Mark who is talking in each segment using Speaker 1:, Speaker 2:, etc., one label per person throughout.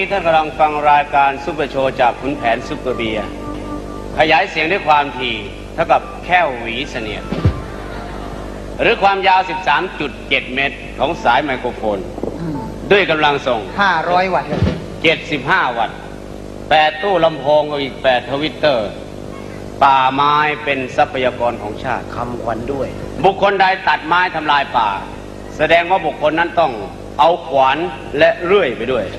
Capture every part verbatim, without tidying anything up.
Speaker 1: ท่านกำลังฟังรายการซุปเปอร์โชว์จากขุนแผนซุปเปอร์เบียร์ขยายเสียงด้วยความถี่เท่ากับแค่หวีเสนียดหรือความยาว สิบสามจุดเจ็ด เมตรของสายไมโครโฟนด้วยกำลังส่ง
Speaker 2: ห้าร้อยวัตต์
Speaker 1: เจ็ดสิบห้าวัตต์แปดตู้ลำโพงกับอีกแปดทวิตเตอร์ป่าไม้เป็นทรัพยากรของชาติ
Speaker 3: คำขวัญด้วย
Speaker 1: บุคคลใดตัดไม้ทำลายป่าแสดงว่าบุคคลนั้นต้องเอาขวานและเลื่อยไปด้วย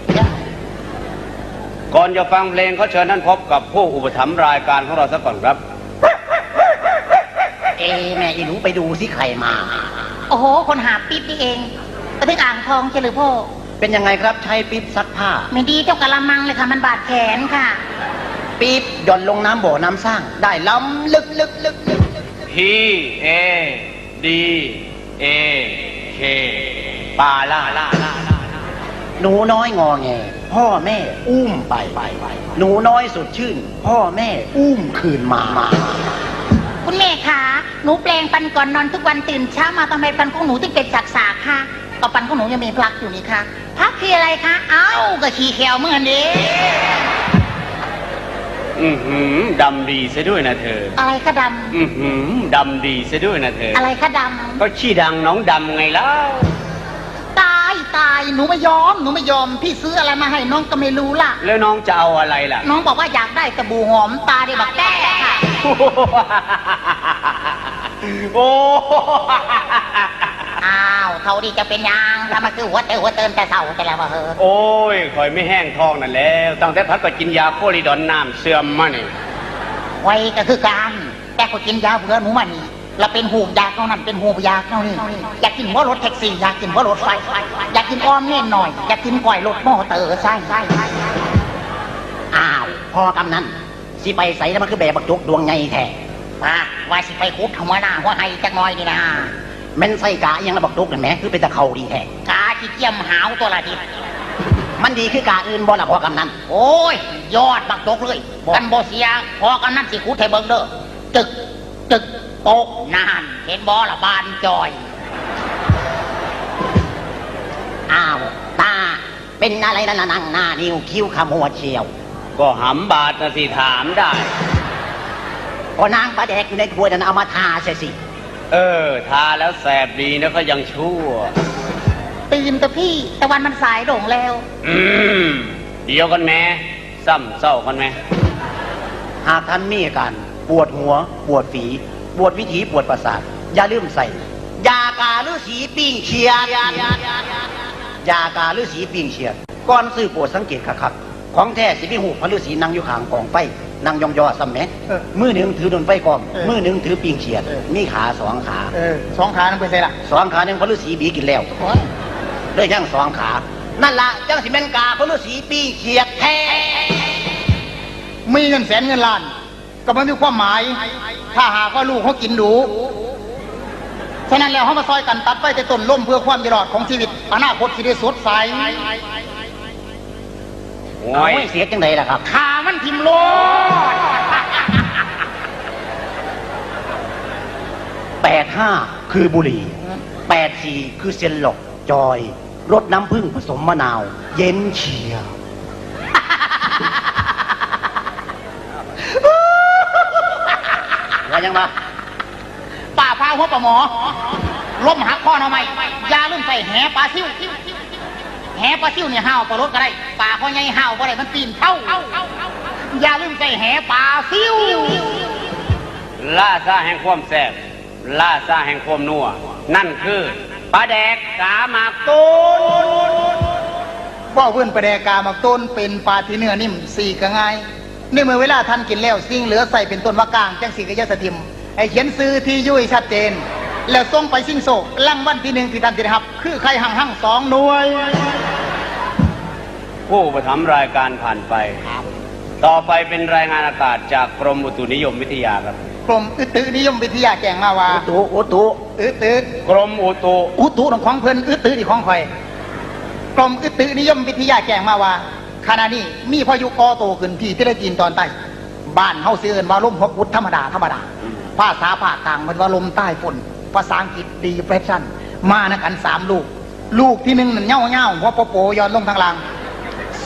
Speaker 1: ก่อนจะฟังเพลงเขาเชิญท่านพบกับผู้อุปถัมภ์รายการของเราสักก่อนครับ
Speaker 3: เอแม่อีหนูไปดูสิใครมา
Speaker 4: โอ้โหคนหาปิ๊บนี่เองไปถึงอ่างทองเฉลิมพ่อ
Speaker 3: เป็นยังไงครับใช้ปิ๊บซักผ้า
Speaker 4: ไม่ดีเจ้ากะละมังเลยค่ะมันบาดแขนค่ะ
Speaker 3: ปิ๊บหย่อนลงน้ำบ่อน้ำสร้างได้ล้ำลึกลึกลึกลึก
Speaker 1: P A D A K ปาล่าล่าล่า
Speaker 3: หนูน้อยงอแงพ่อแม่อุ้มไปหนูน้อยสดชื่นพ่อแม่อุ้มคืนมา
Speaker 4: คุณแม่คะหนูแปลงฟันก่อนนอนทุกวันตื่นเช้ามาทำไมฟันของหนูถึงเป็นสากๆคะก็ฟันของหนูยังมีพลักอยู่นี่คะพลักคืออะไรคะเอ้าก็ขี้แควเหมือนเด้
Speaker 1: อือหือดำดีซะด้วยนะเธอ
Speaker 4: อะไรคะดำ
Speaker 1: อือหือดำดีซะด้วยนะเธอ
Speaker 4: อะไรคะดำ
Speaker 1: ก็ขี้ดังน้องดำไงเล่า
Speaker 4: ตายตายหนูไม่ยอมหนูไม่ยอมพี่ซื้ออะไรมาให้น้องก็ไม่รู้ล่ะ
Speaker 1: แล้วน้องจะเอาอะไรล่ะ
Speaker 4: น้องบอกว่าอยากได้สบู่หอมตาเดบักแต้ค่ะ
Speaker 1: โอ้
Speaker 4: อ้าวเท่าดีจะเป็นยังทำมาคือหัวเตอหัวเติมแต่เสาแต่แล้วว่าเฮ้อ
Speaker 1: โอ้ยคอยไม่แห้งท้องนั่นแล้วตั้งแต่พัดก็กินยาโคลิดอนน้ำเสื่อมมาเนี่ย
Speaker 4: ไว้ก็คือการแต่ก็กินยาเบื่อหนูมานี่เราเป็นหูยาเท่านั้นเป็นหูยาเท่านี้อยากกินหัวรถแท็กซี่อยากกินหัวรถไฟอยากกินอ้อมเน่นหน่อยอยากกินก่อยรถมอเตอร์ใช่ใช่
Speaker 3: อ้าวพ่อกำนันสิไปใส่แล้วมันคือแบบบักจุกดวงไงแท้
Speaker 4: ป้าว่าสิไปคุบหัวหน้าหัวไห้จักน้อยนี่นะ
Speaker 3: แม่นใส่กะยังระบักจุกนั่นแหมคือเป็นตะเขาดีแท้
Speaker 4: กาที่เจียมหาวตัวละที
Speaker 3: มันดีคือกาอื่นบ่ล่ะพ่อกำนัน
Speaker 4: โอ้ยยอดบักจุกเลยกันบ่เสียพ่อกำนันสิคุดให้เบิ่งเด้อจึกจึกโป๊กนานเห็นบ่ละบานจอย
Speaker 3: อ้าวตาเป็นอะไรนั่นนั่งหน้านิ้วคิ้วขมวดเชียว
Speaker 1: ก็หำบาดนะสิถามได้
Speaker 3: ก็นางปลาแดกอยู่ในถ้วยนั้นเอามาทาใช่สิ
Speaker 1: เออทาแล้วแสบดีนะก็ยังชั่ว
Speaker 4: ตื่นแต่พี่แต่วันมันสายโด่งแล้ว
Speaker 1: อืมเดียวกันแม่ซ้ำเศร้ากันไหม
Speaker 3: หากท่านมีอาการปวดหัวปวดฝีปวดวิถีปวดประสาทอย่าลืมใส่ยากาฤาษีปิ้งเชียดยากาฤาษีปิ้งเชียดก่อนซื้อโปรดสังเกตคักๆของแท้สิมีหูพระฤาษีนั่งอยู่ข้างกองไฟนั่งยองยอซ้ำแม่มือหนึ่งถือดนไฟกองมือหนึ่งถือปิ้งเชียดมีขาสองขา
Speaker 2: สองขานั่นเป็นไงล่ะ
Speaker 3: สองขาหนึ่งพระฤาษีบีกินแล้วด้วยยังสองขานั่นละจังสิเป็นกาพระฤาษีปิ้งเชียดแท้
Speaker 2: มีเงินแสนเงินล้านก็ไม่มีความหมายถ้าหากว่าลูกเขากินดูฉะนั้นแล้วเขามาซอยกันตัดไฟแต่ต้นล่มเพื่อความอยู่รอดของชีวิตอนาคตสิได้สดใส
Speaker 3: โอ้ยเสียจังไดล่ะครับ
Speaker 4: ขามันทิ่มโลด
Speaker 3: แปดห้าคือบุหรี่แปดสี่คือเซนหลอกจอยรสน้ำผึ้งผสมมะนาวเย็นเฉียวว่ายังมา
Speaker 4: ป่าพาหัวปลาหมอล้มหักข้อเอาไหมยาลืมใส่แหปลาซิ่วแหปลาซิ่วเนี่ยห้าวปลารถก็ได้ป่าข้อใหญ่ห้าวก็ได้มันปีนเท่ายาลืมใส่แหปลาซิ่ว
Speaker 1: ล่าซาแห่งความแซ่บล่าซาแห่งความนัวนั่นคือปลาแดกกาหมากต้น
Speaker 2: ว่าเพื่อนปลาแดกกาหมากต้นเป็นปลาที่เนื้อนิ่มสี่ก็ง่ายในเมื่อเวลาท่านกินแล้วสิ่งเหลือใส่เป็นต้นมะกางจังสีกระยะสถิมไอเขียนซื้อที่ยุ่ยชัดเจนแล้วส่งไปสิ่งโศกลังวันที่หนึ่งที่ท่านจะได้รับคือใครหั่งหั่งสองหน่วย
Speaker 1: ผู้ประทับรายการผ่านไปต่อไปเป็นรายงานอากาศจากกรมอุตุนิยมวิทยาครับ
Speaker 2: กรมอุตุนิยมวิทยาแจ้งมาว่า
Speaker 3: อุตุอุตุ
Speaker 2: อุตุ
Speaker 1: กรมอุตุ
Speaker 2: อุตุของเพิ่นอุตุที่ของข่อยกรมอุตุนิยมวิทยาแจ้งมาว่าขณะนี้มีพายุก่อตัวขึ้นที่ประเทศจีนตอนใต้บ้านเฮาซื้อว่าลมฮกวุฒธรรมดาธรรมดาภาษาภาคกลางมันว่าลมใต้ฝนภาษาอังกฤษดีเพรสชั่นมานะกันสามลูกลูกที่หนึ่งนั่นเง่าเง่าหัวโปโปย้อนลงทางล่าง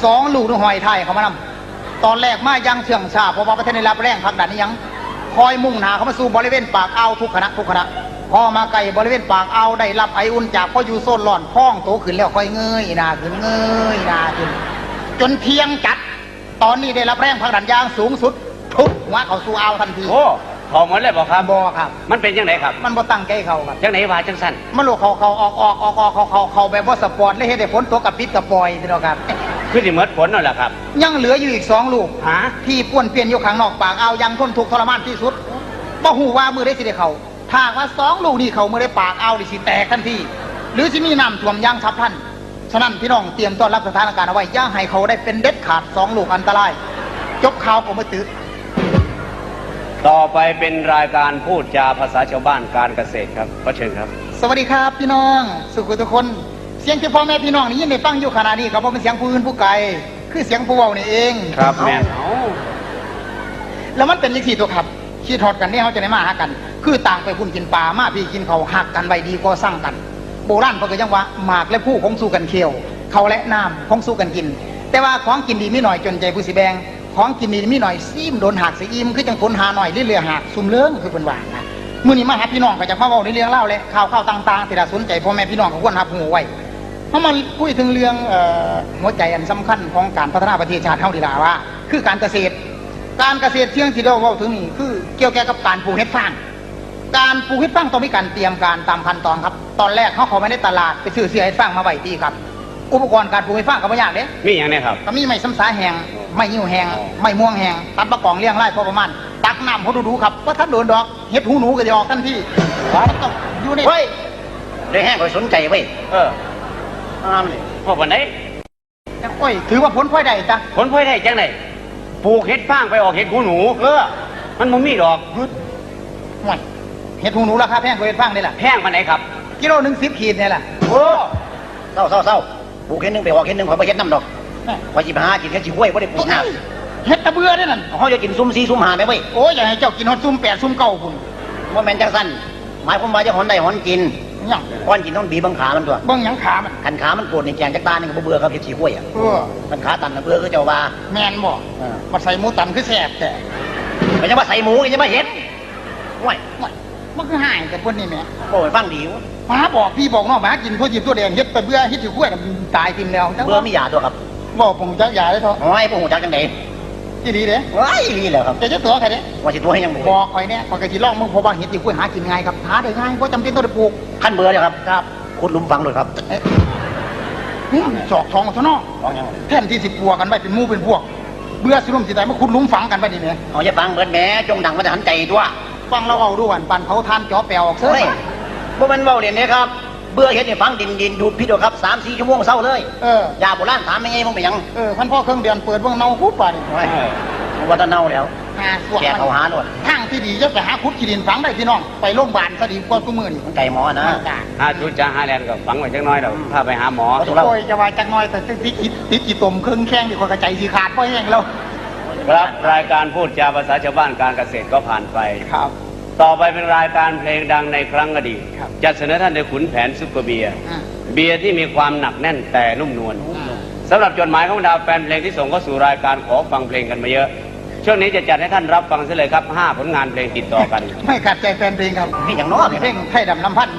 Speaker 2: สองลูกนึงหอยไทยเขามานำตอนแรกมายังเชื่องชาเพราะว่าประเทศในรับแรงพักดันนี่ยังคอยมุ่งหน้าเข้ามาสู่บริเวณปากอ่าวทุกคณะทุกคณะพอมาไกลบริเวณปากอ่าวได้รับไออุ่นจากพ่ออยู่โซนหล่อนพ้องโตขึ้นแล้วค่อยเงยหน้าขึ้นเงยหน้าขึ้นจนเที่ยงจัดตอนนี้ได้รับแรงพักดันอย่างสูงสุดทุบหัวเขาสู่อ่าวทันที
Speaker 1: โอ้พอหมดเลยบอกครับ
Speaker 2: บอครับ
Speaker 1: มันเป็นยังไงครับ
Speaker 2: มันบ่ตั้งใจเขาครับ
Speaker 1: จังไหนว่าจังสั้น
Speaker 2: มันลูกเขาเขาออกออกออกออกเขาเขาเขาแบบว่าสปอร์ตเลยเฮ็ดให้ฝนตกกับปิดกับปล่อยพี่น้องครับ
Speaker 1: คือสิเมิดผลนั่นแหละครับ
Speaker 2: ยังเหลืออยู่อีกสองลูก
Speaker 1: ฮะ
Speaker 2: ที่ป้วนเปลี่ยนอยู่ข้างนอกปากเอาวยังทนทุกข์ทรมานที่สุดบ่ฮู้ว่ามือได้สิได้เขาถ้าหากว่าสองลูกนี่เขามือได้ปากเอาวดิสิแตกทันทีหรือสิมีน้ำท่วมอยางฉับพลันฉะนั้นพี่น้องเตรียมต้อนรับสถานการณ์เอาไว้อย่าให้เขาได้เป็นเด็ดขาดสองลูกอันตรายจบข่าวผมมาตื้อ
Speaker 1: ต่อไปเป็นรายการพูดจาภาษาชาวบ้านการเกษตรครับขอเชิญครับ
Speaker 2: สวัสดีครับพี่น้องสุขุทุกคนเสียงที่พ่อแม่พี่น้องนี่ยินได้ฟังอยู่ขณะนี้ครับเพราะเป็นเสียงผู้อื่นผู้ไกลคือเสียงผู้เว้านี่เอง
Speaker 1: ครับแม่น
Speaker 2: แล้วมันเป็นยังสี่ตัวครับขี้ทอดกันเนี่ยเขาจะได้มาหากัน คือต่างไปพุ่นกินปลามาพี่กินเขาหักกันไว้ดีก็สร้างกัน โบราณเขาก็ยังว่าหมากและผู้คงสู้กันเคี้ยวเขาและน้ำคงสู้กันกิน แต่ว่าของกินดีไม่หน่อยจนใจผู้สิแบงของกินดีไม่หน่อยซีมโดนหักสีอิมคือจังผลหาหน่อยเรื่อยๆหักซุ่มเลื้งคือเป็นว่านะมื้อนี้มาหาพี่น้องก็จะมาเว้าในเรื่องเล่าและข่าวข่าวต่างๆที่น่าสนใจพ่อแม่พี่น้องก็ควรรับหูไว้เพราะมันคุยถึงเรื่องเอ่อหัวใจอันสำคัญของการพัฒนาประเทศชาติเฮาดีล่ะว่า คือการเกษตร การเกษตรเชิงที่เราเว้าถึงนี่คือเกี่ยวกับการปลูกเห็ดฟางการปลูกเห็ดฟางต้องมีการเตรียมการตามขั้นตอนครับตอนแรกเขาเข้าไปในตลาดไปซื้อเสื้อเห็ดฟางมาไว้ดีครับอุปกรณ์การปลูกเห็ดฟางก็ไม่ยากเด้
Speaker 1: มีอย่างนี้ครับ
Speaker 2: ก็มีไม้ซ้ำสาแห้งไม้ยิ้วแห้ง
Speaker 1: อ๋อ
Speaker 2: ไม้ม่วงแห้งตัดมะกองเลี้ยงไร่พอประมาณตักน้ำเขาดูๆครับว่าถ้าโดนดอกเห็ดหูหนูก็จะออกทันทีมันต้องอยู่ใน
Speaker 3: เฮ้ยได้แห้งคอยสนใจเว้ย
Speaker 1: เออ
Speaker 3: อ้ามนี่
Speaker 1: พ่อปันไหน
Speaker 2: โอ้ยถือว่าผลพลอยได้จ้ะ
Speaker 1: ผลพลอยได้จังไหนปลูกเห็ดฟางไปออกเห็ดหูหนู
Speaker 2: เออ
Speaker 1: มันมันมีดอก
Speaker 2: ฮึดห่วยเห็ดหูหนูราคาแพงกว่าเห็ดฟางนี่แหละ
Speaker 1: แพงปันไหนครับ
Speaker 2: กิโลหนึ่งสิบขีดเนี่ยแหละ
Speaker 1: โอ้
Speaker 3: เศร้าเศร้าเศร้าปลูกเห็ดหนึงไปออกเห็ดหนึงขอยไปเห็ดน้ำดอกขอยจิบหากินแค่จิห้วยไม่ได้ปลูกน้
Speaker 2: เห็ดตะเบือเนี่ยนั่น
Speaker 3: ำเขาจะกินซุ่มซีซุ่มหาไหมเว้ย
Speaker 2: โอ้ยอย่าให้เจ้ากินฮอดซุ่มแปดซุ่มเก้าคุณ
Speaker 3: ว่าแมนจังสั้นหมายความว่าจะหอนได้หอนกิน
Speaker 2: หยัง
Speaker 3: ก้อนกินต้องบีบบังขามันตัว
Speaker 2: เบิ่งหยังขามัน
Speaker 3: ขันขามันปวดในแกงจักตานี่ก็บ่เบื่อครับเห็ดฉีห้วยอ่ะ
Speaker 2: เออ
Speaker 3: ขันขาตันนะเบื่อก็เจ้าว่า
Speaker 2: แมนบ่
Speaker 3: เออ
Speaker 2: มาใส่หมูตันคือแสบแต่
Speaker 3: ไม่ใช่ว่าใส่หมูไม่ใช่ว่าเห็ดห้วย
Speaker 2: ไม่มันคือหายแต่พวกนี้แหม่
Speaker 3: โอ้ยฟังดีวะ
Speaker 2: หมาบอกพี่บอกน้องหมากินพวกจิบตัวแดงเฮ็ดไปเบื่อเฮ็ดอยู่ขั้วน่ะมันตายทิมแล้วจัง
Speaker 3: เบื่อไม่หยาตัวครับ
Speaker 2: บอกผมจักยาได้เถอะ
Speaker 3: โอ้ยพวกหูจักจังได
Speaker 2: ที่ดีเด้
Speaker 3: ว้ายนี่แหละครับ
Speaker 2: จะจะตัวใครเด้
Speaker 3: ว่าสิตัวให้ยัง
Speaker 2: บ
Speaker 3: บ่
Speaker 2: อกข่อยเนี่ยข่อยก็สิลองมึงเพราะว่าเฮ็ดอยู่ขั้วหากินง่ายครับหาได้ง่ายบ่จำเป็นต้องได้ปลูก
Speaker 3: ขั้นเบื่อเลยครับ
Speaker 2: ครับ
Speaker 3: ขุดหลุมฝังเลยครับ
Speaker 2: เอ๊ะอืมจอกทองซะเนาะ
Speaker 3: ฝังยัง
Speaker 2: แทนที่สิปัวกันไว้เป็นหมู่เป็นพวก เบื่อสิลุ่มสิตายมาขุดหลุมฝังกันไปนี่แหม
Speaker 3: เอาอย่าฟังเบิดแหม่จงดังมาแต่หันใจตัว
Speaker 2: ฟังเราเอาดูวันปันเผาทานจ่อแปลวออกเซ้
Speaker 3: เฮ้ย
Speaker 2: ย
Speaker 3: บ่แมันเว้าเล่นเด้ครับ เบื่อเฮ็ดให้ฟังดินดินดูดพิษเอาครับสามสี่ชั่วโมงเศร้าเลย
Speaker 2: เออ
Speaker 3: ยาโบราณถามยังไงมึงไปหยัง
Speaker 2: เออพันพ่อเครื่องเดือนเปิดเบิ่งเนาคุดป่านี่
Speaker 3: โอ้ยว่าแตะเน่าแล้ว
Speaker 2: หาสวก
Speaker 3: แกเขาหาโลด
Speaker 2: ทางที่ดีจะไปหาคุดขี้ดินฝังได้พี่น้อง ไปโรงพยาบาลซะดีกว่าทุกมื้อนี่
Speaker 3: มันไก่หมอนะ
Speaker 2: จ้า
Speaker 1: หาชุดจ้าหาแลนก็ฝังไว้จังน้อยเดี๋ยวพาไปหาหมอ
Speaker 3: เอาถูกแล้ว
Speaker 2: โอ้ยจะว่าจักหน่อยแต่ติดติดติดกี่ตมเครื่องแข้งดีกว่ากระใจสีขาดเพราะแห้งแล้ว
Speaker 1: ครับรายการพูดจาภาษาชาวบ้านการเกษตรก็ผ่านไป
Speaker 2: ครับ
Speaker 1: ต่อไปเป็นรายการเพลงดังในครั้งอดีต
Speaker 2: ครับ
Speaker 1: จะเสนอท่านโดยขุนแผนซุปเปอร์เบียร์
Speaker 2: อ่า
Speaker 1: เบียร์ที่มีความหนักแน่นแต่นุ่มนวล
Speaker 2: อ่า
Speaker 1: สำหรับจดหมายของดาวแฟนเพลงที่ส่งเข้าสู่รายการขอฟังเพลงกันมาเยอะ ช่วงนี้จะจัดให้ท่านรับฟังเสียเลยครับห้าผลงานเพลงติดต่อกัน
Speaker 2: ไม่ขัดใจแฟนเพลงครับ
Speaker 3: นี่อย่างน้อย
Speaker 2: เพลงไทยดำน้ำพันธุ์มา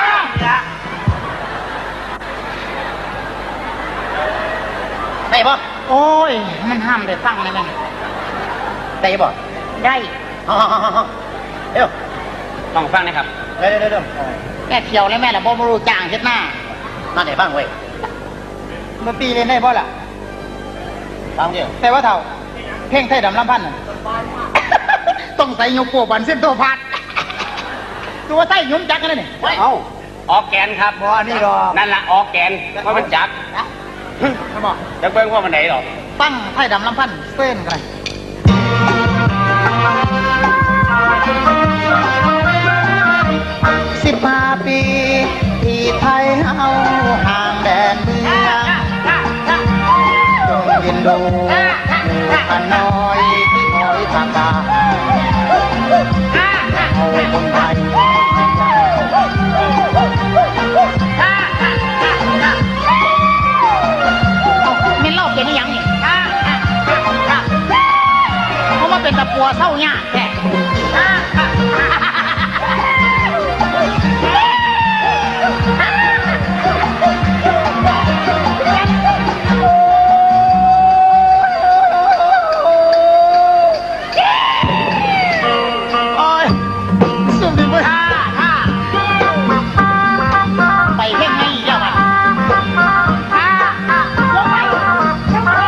Speaker 3: ได้ปะ
Speaker 2: โอ้ย มันห้ามได้ฟังเลยนะ
Speaker 3: ได้ปะ
Speaker 2: ได้
Speaker 3: ฮ่าฮ่าฮ่าฮ่าเดี๋ยว
Speaker 1: ต้องฟังนะครับ
Speaker 3: เดี๋ยวเดี๋ยวเดี๋ยว
Speaker 2: แม่เที่ยวเลยแม่ละบ่มารู้จ้างเฮ็ดหน้า
Speaker 3: มาไหนบ้างเว้ย
Speaker 2: ดนตรีเล่นได้บ่ล่ะ
Speaker 3: ฟังเดี๋ยว
Speaker 2: แต่ว่าเท่าเพลงไทยดำน้ำพันธุ์น่ะ ต้องใส่ยกโปบันเส้นโตพัดตัวไทยยุ่มจักกันเลยนี่
Speaker 1: เอ้าออกแกนครับ
Speaker 2: บ่อันนี้หรอก
Speaker 1: นั่นละออกแกนเพราะมันจับ
Speaker 2: เขาบอก
Speaker 1: จะเบิ่งว่ามันไหนหรอก
Speaker 2: ตั้งไทยดำน้ำพันธุ์เส้นกันเลยสิบห้าปีที่ไทยเฮาห่างแดนเมืองจงเรียนดูอยู่กันน้อยที่คอยทางการเอาคนไทยเมนเล่าเป็นยัง
Speaker 4: ปัวเศร้ายากแท้
Speaker 2: โอ้ยสุดดีเว้ย
Speaker 4: ท่าท่าไปเพ่งไม่เดียวมันท่าท่าลงไปลงไป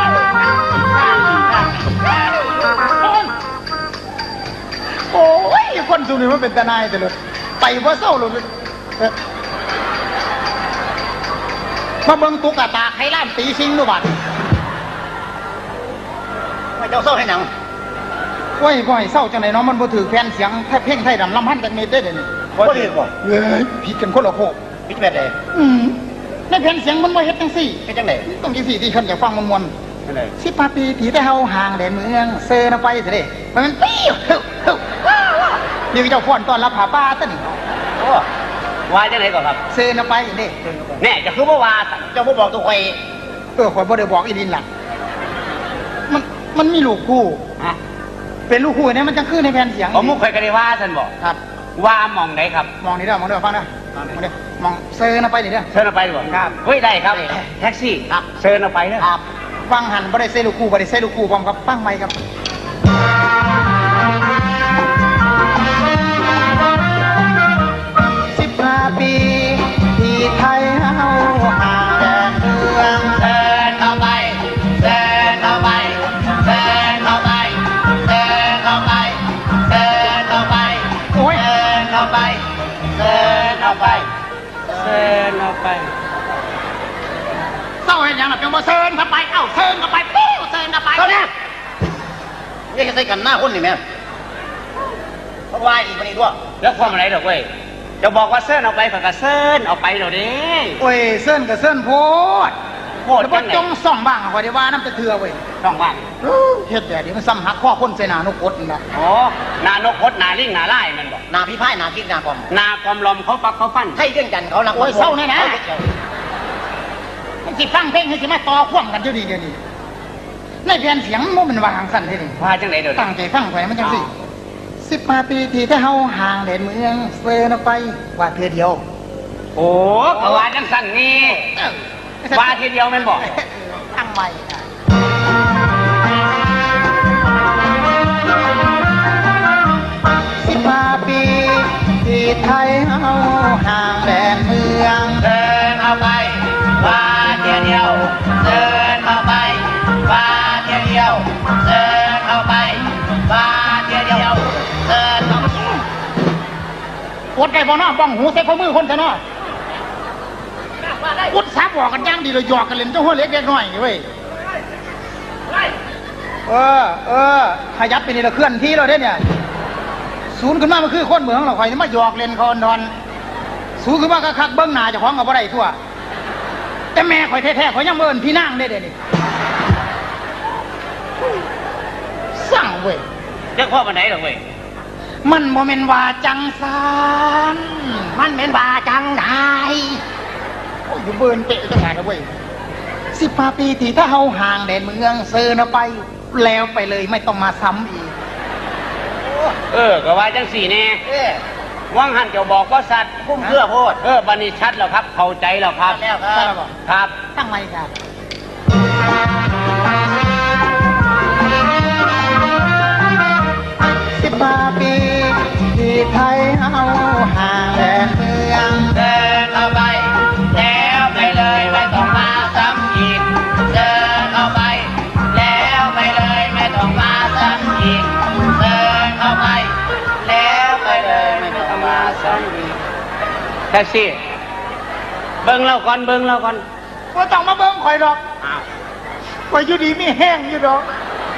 Speaker 2: โอ้ยคนสุดนี่มันเป็นตาหนายแต่เลยไปว่าเศร้าเลยเอ้อมาเบิ่งตุ๊กตาไข่ล้านตีชิงดูบัด
Speaker 3: ไม่เจ้าเศร้าให้หนัง
Speaker 2: โอ้ยบ่ให้เศร้าจังไหนเนาะมันบ่ถือแฟนเสียงแทบเพ่งไทยดำลำพันจากเมตรได้เดี๋ยวนี้
Speaker 3: บ่ถือบ่
Speaker 2: เอ้ยผิดกันคนละโคก
Speaker 3: พิจแบบใด
Speaker 2: อืมในแผ่นเสียงมันบ่เฮ็ดจังซี่
Speaker 3: เป็นจังได
Speaker 2: ต้องจังซี่ที่คนอยากฟังมวน
Speaker 1: นั่นเลย
Speaker 2: ๆสิบห้าปีที่ได้เฮาห่างแดนเมืองเซอร์นะไปสิเด้มันมันปิ้วเฮ้วเฮ้วว้าวว้าวนี่เจ้าฟ้อนต้อนรับผาป้าซะนี่
Speaker 1: โอ้ว่าจังไหนก่อนครับ
Speaker 2: เซอร์นะไปเด้
Speaker 1: แน่จะคือเมื่อวาน
Speaker 3: เจ้าบ่บอกตัวข่อย
Speaker 2: เออข่อยบ่ได้บอกอีดินล่ะมันมันมีลูกคู่
Speaker 1: ฮะ
Speaker 2: เป็นลูกคู่เนี่ยมันจังคือในแผ่นเสียง
Speaker 1: ผมมุกเคยกันได้ว่าท่านบอก
Speaker 2: ครับ
Speaker 1: ว่ามองไหนครับ
Speaker 2: มองนี่เด้อมองเด้อฟังเด้อมองเด้อมองเซอร์นะไปนี่เด้อ
Speaker 1: เชิญเอาไปดีกว่า
Speaker 2: ครับ
Speaker 1: เฮ้ยได้ครับแท็กซี่ครับเชิญเอาไปเนอะ
Speaker 2: ครับฟังหันบ่ได้เซลูกคู่บ่ได้เซลูกคู่พร้อมกับฟังใหม่ครับสิบห้าปีที่ไทยเฮาห่างแดนเมือง
Speaker 1: เชิญเอาไปเชิญเอาไปเชิญเอาไปเชิญเอาไปเชิญเอาไป
Speaker 2: โอ้ย
Speaker 1: เชิญเอาไปเชิญเอาไปเชิญเอาไป
Speaker 4: เศร้าเห็นยังล่ะเป็นบ่เซิร์นเข้าไปเอ้าเซิร์นเข้าไปปิ้วเซิร์นเข้าไป
Speaker 3: เท่านี้นี่จะใส่กันหน้าคนนี่แม่เพราะว่าอีกคนนี้ด้วย
Speaker 1: แล้วความอะไรดอกเว้ยจะบอกว่าเซิร์นเอาไปฝักกับเซิร์นเอาไปเดี๋ยวนี้
Speaker 2: โอ้ยเซิ่นกับเซิ่นโพด
Speaker 1: โคตร
Speaker 2: แล้วบ่
Speaker 1: จังไหน
Speaker 2: จงส่องบ้างอะข่อยได้ว่าน้ำจะเถื่อเว้ย
Speaker 1: ต้องว่าง
Speaker 2: เฮ็ดแบบนี้มันซ้ำหักข้อคนใส่หน้านกกดนี่ล่ะ
Speaker 1: โอ้นานกพดนาลิงนาไล่มันบอก
Speaker 3: หนาพี่พ่ายหนาคิดหนาความ
Speaker 1: นากอมลมเขาปักเขาฟัน
Speaker 3: ให้เรื่องจันทร์เขาหลัง
Speaker 4: โอ้ยเศร้าแน่นะ
Speaker 3: อเกี่ยว
Speaker 4: มันสิฟังเพลงให้สิมาต่อควมกัน
Speaker 2: เดี๋ยวนี้เดี๋ยวนี้ในแผ่นเสียงมันเป็นว่าหางสั่นเด้นี่
Speaker 1: ว่าจังไหนเดี๋ยวนี้
Speaker 2: ตั้งใจฟังไว้มันจังสิสิบห้าปีที่ถ้าเฮาห่างแดนเมืองเซิร์นไปว่าเทื่อเดียว
Speaker 1: โอ้กว่าจังสั่นนี่
Speaker 2: เออ
Speaker 1: ว่าทีเดียวแมันบอก
Speaker 2: ตั้งใหม่อะสิบห้าปีที่ไทยเฮาห่างแดนเมือง
Speaker 1: เดินเอาไปว่าเทียเดียวเดินเอาไปว่าเทียเดียวเดินเอาไปว่าเทียเดียวเดินเอา
Speaker 4: อดไก่บ่เนาะบ้องหูใส่ข้อมือคนซะเนาะอุดสาบอกกันย่างดีเลยหยอกกันเล่นเจ้าหัวเล็กเล็กน้อยนี่เว้ย
Speaker 2: เออ เออขยับไปนี่ละเคลื่อนที่เราได้เนี่ย ศูนย์ขึ้นมามันคือคนเมืองเราคอยมาหยอกเล่นคอนดอนศูนย์ขึ้นมาก็คักเบิ้งหน้าเจ้าของกับบ่ได้ทั่ว แต่แม่ข่อยแท้ๆข่อยยังเมินพี่นางได้เด้นี่สั่งเว้ย
Speaker 1: เจ้าพ่อมันไหนหรอเว้ย
Speaker 2: มันโมเมนว่าจังสานมันเป็นว่าจังไดโอ้ยอยู่เบิร์นเตะจังไงนะเว้ยสิบห้าปีที่ถ้าเฮาห่างแดนเมืองเซิร์นไป แล้วไปเลยไม่ต้องมาซ้ำอีก
Speaker 1: เออก็ว่าจังสี่แน่
Speaker 3: เอ๊ะ
Speaker 1: ว่างหันเจ้าบอกว่าสัตว์
Speaker 3: พุ่มเพื่อโพด
Speaker 1: เออบันนี้ชัดแล้วครับ เข้าใจแล้วครับ
Speaker 3: แล้วค
Speaker 2: ใช่
Speaker 3: รับ
Speaker 2: หรอ
Speaker 1: ครับ
Speaker 2: ตั้งไว้ครับสิบห้าปีที่ไทยเฮาห่างแดนเมือง
Speaker 1: เดินเอาไปแล้วไปเลยไม่ต้องมาซ้ำอีกเดินเอาไปแล้วไปเลยไม่ต้องมาซ้ำอีกเดินเอาไปแล้วไปเลยไม่ต้องมาซ้ำอีกแท็กซี่เบิ้งเราก่อนเบิ้งเราก่อน
Speaker 2: ก็ต้องมาเบิ้งข่อยดอก
Speaker 1: อ้าว
Speaker 2: ข่อยอยู่ดีมีแห้งอยู่ดอก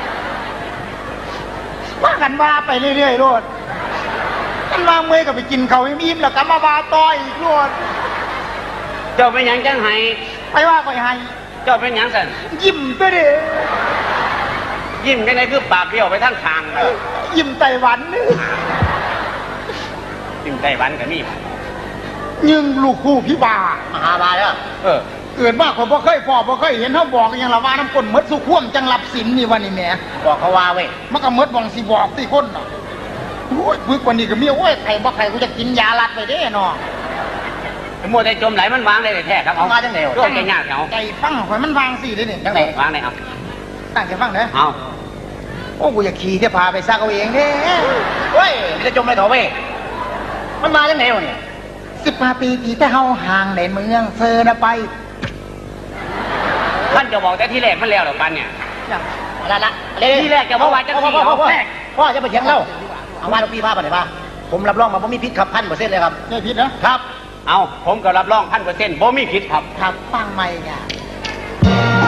Speaker 2: ว่ากันว่าไปเรื่อยๆโลดกันว่าเมื่อยก็ไปกินเขาวให้อิ่มแล้วก็มาบาต่ออีกโลด
Speaker 1: เจ้าเป็นหยังจังไห้
Speaker 2: ไปว่าข่อยให้
Speaker 1: เจ้าเป็นหยังสัน
Speaker 2: ยิ้มตัวเด้
Speaker 1: ยิ้มจังไงคือปากเบี้ยวไปทั้งทางเลย
Speaker 2: ยิ้มไต้หวันนี่
Speaker 1: ยิ้มไต้หวันกับนี่
Speaker 2: ยิงลูกคู่พี่บาม
Speaker 3: หาบาแล้ว
Speaker 1: เออ
Speaker 2: เอเกิดว่าคนบ่เคยพอบ่เคยเห็นเขาบอกอหย่างละว่าน้ำก้นหมดสุข่วมจังรับสินนี่วันนี้แหม่
Speaker 3: บอกเขาว่าเว้ย
Speaker 2: มันก็หมดหวังสิบอกที่คนน่ะโอ้ยพึกกว่านี้ก็มีโอ้ยไข่บ่ไข่กูจะกินยาลัดไปเด้เนาะ
Speaker 1: มัวแต่จมไหลมันวางได้แท้ครับเอา
Speaker 3: มาจังไหนวะ
Speaker 1: ร่วมใจยากเอา
Speaker 2: ใจฟังข่อยมันวางสิเด้นี่
Speaker 3: จังไหน
Speaker 1: วางได้เอา
Speaker 2: ตั้งใจฟังเด้อ
Speaker 1: เอา
Speaker 2: โอ้กูอยากขี่เที่ยวพาไปซักเอาเองเด้
Speaker 3: เว้ยมันจะจมไปเถอะเว้ยมันมาจังไหนวะเนี่ย
Speaker 2: สิบห้าปีที่แต่เฮาห่างในเมืองเซอร์นะไป
Speaker 1: ท่านจะบอกแต่ที่แรกมันแล้วหรอปันเนี่ย
Speaker 3: ละละ
Speaker 1: ที่แรกจะว่าว่าจังสี่
Speaker 3: พ่อพ่อพ่อ
Speaker 1: เอาแรก
Speaker 3: พ่อจะไปเถียงเราเอาว่าลูกพี่พาไปไหนพาผมรับรองมาผมมีพิษขับพันเปอร์เซ็นต์เลยครับ
Speaker 2: ไม่ผิดนะครับ
Speaker 1: เอาผมก็รับรองพันเปอร์เซ็นต์บ่มีผิดครับ
Speaker 2: ครับฟังไม่เนี่ย